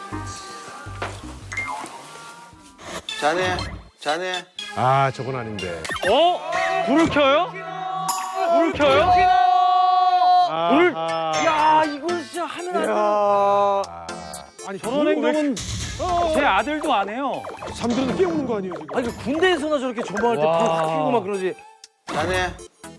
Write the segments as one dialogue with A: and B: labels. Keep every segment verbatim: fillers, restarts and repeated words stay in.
A: 자네, 자네.
B: 아, 저건 아닌데.
C: 어? 불을 켜요? 불을 켜요? 불을. 야, 이거 진짜 하면 안 돼.
B: 아, 아니,
C: 저런
B: 왜
C: 행동은 제 아들도 안 해요.
B: 잠들어도 깨우는 거 아니에요, 지금?
C: 아니, 그 군대에서나 저렇게 조망할 때 불 확 켜고 막 그러지.
A: 자네.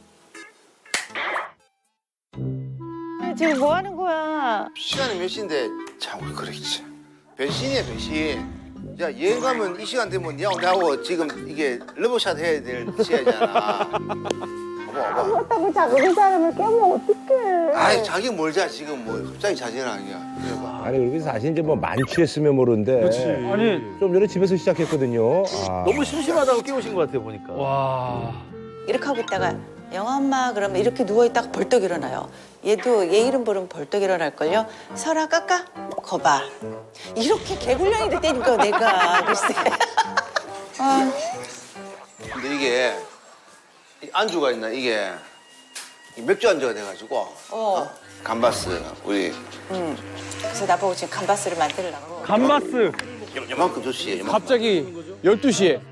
D: 지금 뭐 하는 거야?
A: 시간이 몇 시인데 참 우리 그러겠지. 변신이야 변신. 야 여행 가면 이 시간 되면 니하고 나하고 지금 이게 러브샷 해야 될 시간이잖아. 봐봐 봐봐.
D: 그렇다고 자꾸 그 사람을 깨면 어떡해.
A: 아이 자기 뭘 자 지금 뭐 갑자기 자진하냐. 그래봐.
E: 아니 그리고 사실 이제 뭐 만취했으면 모르는데
C: 아니,
E: 좀 전에 집에서 시작했거든요. 아.
C: 너무 심심하다고 깨우신 것 같아요, 보니까. 와.
F: 이렇게 하고 있다가 영아 엄마 그러면 이렇게 누워있다가 벌떡 일어나요. 얘도 얘 이름 부르면 벌떡 일어날걸요. 설아 깎아 거봐. 이렇게 개굴량이 됐다니까 내가 글쎄. 아,
A: 근데 이게 이 안주가 있나 이게 이 맥주 안주가 돼가지고
F: 어.
A: 감바스 우리
F: 음. 그래서 나보고 지금 감바스를 만들려고.
C: 감바스.
A: 요- 요만큼 줬지. 요만큼.
B: 갑자기 열두 시에.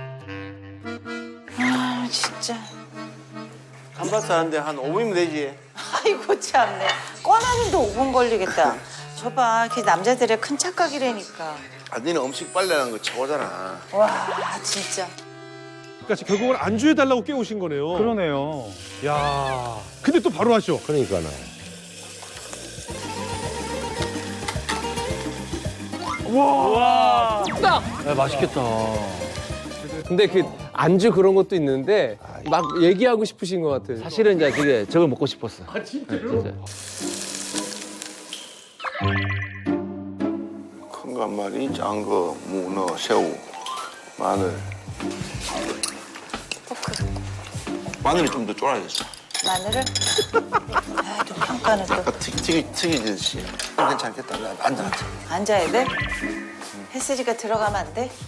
F: 아 진짜.
A: 감바스 하는데 한 오 분이면 되지.
F: 아이고 참네. 꺼내는데 오 분 걸리겠다. 저봐, 그게 남자들의 큰 착각이라니까.
A: 아 니는 음식 빨래라는 거 최고잖아.
F: 와 진짜.
B: 그러니까 결국은 안주해달라고 깨우신 거네요.
C: 그러네요.
B: 야, 근데 또 바로 하셔.
E: 그러니까요.
C: 와. 야, 맛있겠다.
G: 근데 그 안주 그런 것도 있는데 막 얘기하고 싶으신 것 같아요.
C: 사실은 이제 그게 저걸 먹고 싶었어. 아, 진짜로?
A: 큰 거 한 마리, 작은 거 문어, 새우, 마늘.
F: 포크.
A: 마늘이 좀 더 쫄아야겠어.
F: 마늘을. 아, 또 평가는 또.
A: 아까 튀, 튀기, 튀기듯이. 괜찮겠다. 나 앉아, 앉아.
F: 앉아야 돼? 햇쓰리가 들어가면 안 돼?